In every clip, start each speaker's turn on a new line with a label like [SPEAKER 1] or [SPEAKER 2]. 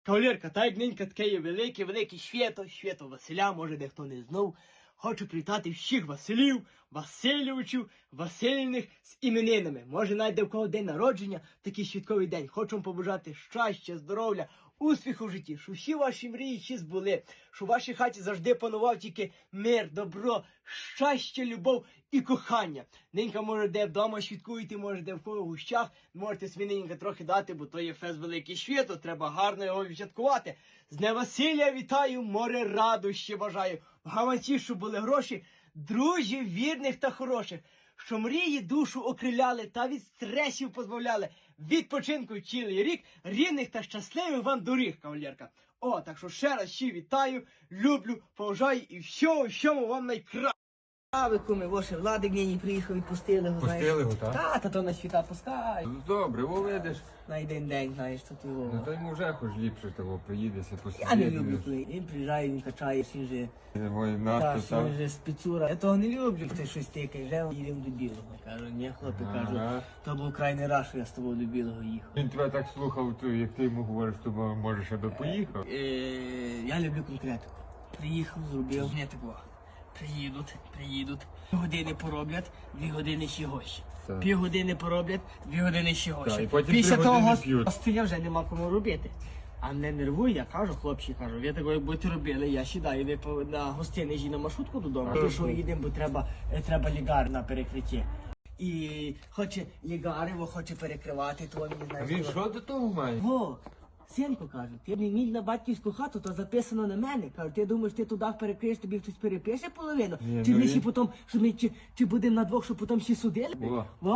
[SPEAKER 1] Кавалерка, так як нинька таке є велике свято Василя, може дехто не знав. Хочу привітати всіх Василів, Васильовичів, Васильних з іменинами. Може навіть де в кого день народження, такий святковий день. Хочу вам побажати щастя, здоров'я, успіху в житті, щоб всі ваші мрії ще збули, щоб в вашій хаті завжди панував тільки мир, добро, щастя, любов і кохання. Ненька може де вдома святкуєте, може де в кого в гущах, можете свиненька трохи дати, бо то є фест великий свято, треба гарно його відсвяткувати. З Дня Василя вітаю, море радощі бажаю. В гаманці, щоб були гроші, друзів, вірних та хороших, що мрії душу окриляли та від стресів позбавляли, відпочинку цілий рік, рівних та щасливих вам доріг, кавалерка. О, так що ще раз ще вітаю, люблю, поважаю і всьому вам найкраще. А ви куми, ваше Владик нині приїхав, відпустили його, знаєш.
[SPEAKER 2] Пустили його, так?
[SPEAKER 1] Та то на світа пускай.
[SPEAKER 2] Ну, добре, во видиш.
[SPEAKER 1] На один день, знаєш, тут його.
[SPEAKER 2] Ну то йому вже хоч ліпше того приїдеться,
[SPEAKER 1] Я не люблю, коли він приїжджає, він качає, всі вже.
[SPEAKER 2] Ой,
[SPEAKER 1] Так,
[SPEAKER 2] надто
[SPEAKER 1] що
[SPEAKER 2] там.
[SPEAKER 1] вже спецура. Я того не люблю, хто щось тикає, вже їдемо до білого. Кажу, ні, хлопці, кажу,
[SPEAKER 2] Ага.
[SPEAKER 1] то був крайний раз, що я з тобою до білого їхав.
[SPEAKER 2] Він тебе так слухав, то, як ти йому говориш, то може ще би поїхав.
[SPEAKER 1] Я люблю конкретику. Приїхав, зробив, не такого. Приїдуть, 2 години пороблять, 2 години ще гощі.
[SPEAKER 2] Так.
[SPEAKER 1] Півгодини пороблять, 2 години ще
[SPEAKER 2] Так,
[SPEAKER 1] гощі.
[SPEAKER 2] і потім
[SPEAKER 1] Після
[SPEAKER 2] 3
[SPEAKER 1] того
[SPEAKER 2] години п'ють.
[SPEAKER 1] гостя вже нема кому робити. А не нервуй, я кажу, хлопці, кажу, ви такого, як будете робили, я сідаю, ви на гостини їжджі на маршрутку додому,
[SPEAKER 2] А
[SPEAKER 1] тому
[SPEAKER 2] що
[SPEAKER 1] що
[SPEAKER 2] ж?
[SPEAKER 1] їдемо, бо треба лігар на перекритті. І хоче лігарево, хоче перекривати, то він не
[SPEAKER 2] А
[SPEAKER 1] знає.
[SPEAKER 2] він
[SPEAKER 1] що.
[SPEAKER 2] що до того має?
[SPEAKER 1] О, синку, кажу, ти не мій на батьківську хату, то записано на мене. Кажу, ти думаєш, ти туди перекриєш, тобі хтось перепише половину?
[SPEAKER 2] Ні,
[SPEAKER 1] Чи
[SPEAKER 2] ну
[SPEAKER 1] ми
[SPEAKER 2] і-
[SPEAKER 1] ще потім, що ми чи будемо на двох, що потім ще судили?
[SPEAKER 2] О.
[SPEAKER 1] О?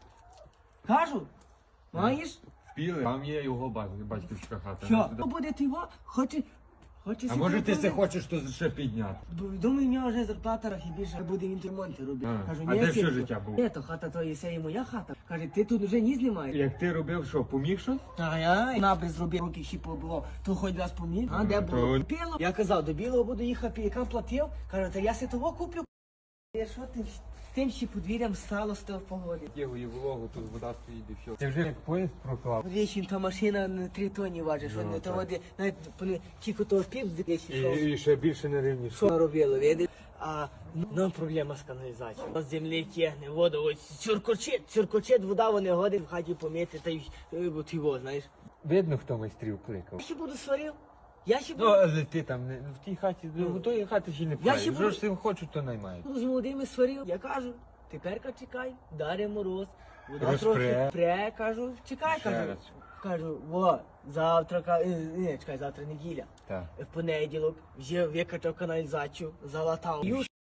[SPEAKER 1] Кажу, маєш?
[SPEAKER 2] Впіли, там є його батьківська хата.
[SPEAKER 1] Що?
[SPEAKER 2] Не туди.
[SPEAKER 1] Буде ти його? Хоче
[SPEAKER 2] А
[SPEAKER 1] собі
[SPEAKER 2] може ти це
[SPEAKER 1] зробити?
[SPEAKER 2] хочеш то ще підняти?
[SPEAKER 1] Бо, думаю, в нього вже зарплата трохи більше, буде він ремонти робити.
[SPEAKER 2] А,
[SPEAKER 1] Кажу,
[SPEAKER 2] а
[SPEAKER 1] ні,
[SPEAKER 2] де все
[SPEAKER 1] синку,
[SPEAKER 2] життя було?
[SPEAKER 1] Ні, то хата то є, це і моя хата. Каже, ти тут вже ні знімаєш.
[SPEAKER 2] Як ти робив, що, поміг щось?
[SPEAKER 1] А я набріз зробив, руки ще побував, то хоч раз поміг. А де
[SPEAKER 2] то-
[SPEAKER 1] було? Біло. Я казав, до білого буду їхати, яка платив. Каже, та я си того куплю. Що ти з тим ще подвір'ям стало з того погоди?
[SPEAKER 2] Його і вологу, тут вода стоїть і все. Ти вже як поїзд проклав.
[SPEAKER 1] Вічим та машина на 3 тонні важить, що
[SPEAKER 2] Ну,
[SPEAKER 1] не то
[SPEAKER 2] так.
[SPEAKER 1] води, навіть тільки того пів здесь йшов.
[SPEAKER 2] І ще більше не рівніше.
[SPEAKER 1] Що робило, видиш? А ну проблема з каналізацією. З землі тягне воду, ось цюркочет, вода вони годить в хаті помити, та й от його, знаєш.
[SPEAKER 2] Видно, хто майстрів кликав.
[SPEAKER 1] Я ще буду сварив. Я ще
[SPEAKER 2] Ну,
[SPEAKER 1] буду.
[SPEAKER 2] але ти там не в тій хаті, в тої хати ще не
[SPEAKER 1] ще
[SPEAKER 2] пхаєш.
[SPEAKER 1] буду-
[SPEAKER 2] Що ж цим хочуть, то наймають.
[SPEAKER 1] Ну, з молодими сварив. Я кажу, теперка чекай, даре мороз. Вода
[SPEAKER 2] Розпре.
[SPEAKER 1] трохи пре, кажу, чекай,
[SPEAKER 2] Ще
[SPEAKER 1] кажу.
[SPEAKER 2] раз.
[SPEAKER 1] Кажу, завтра, ні, чекай, завтра неділя.
[SPEAKER 2] Так.
[SPEAKER 1] В понеділок вже викачав каналізацію, залатав.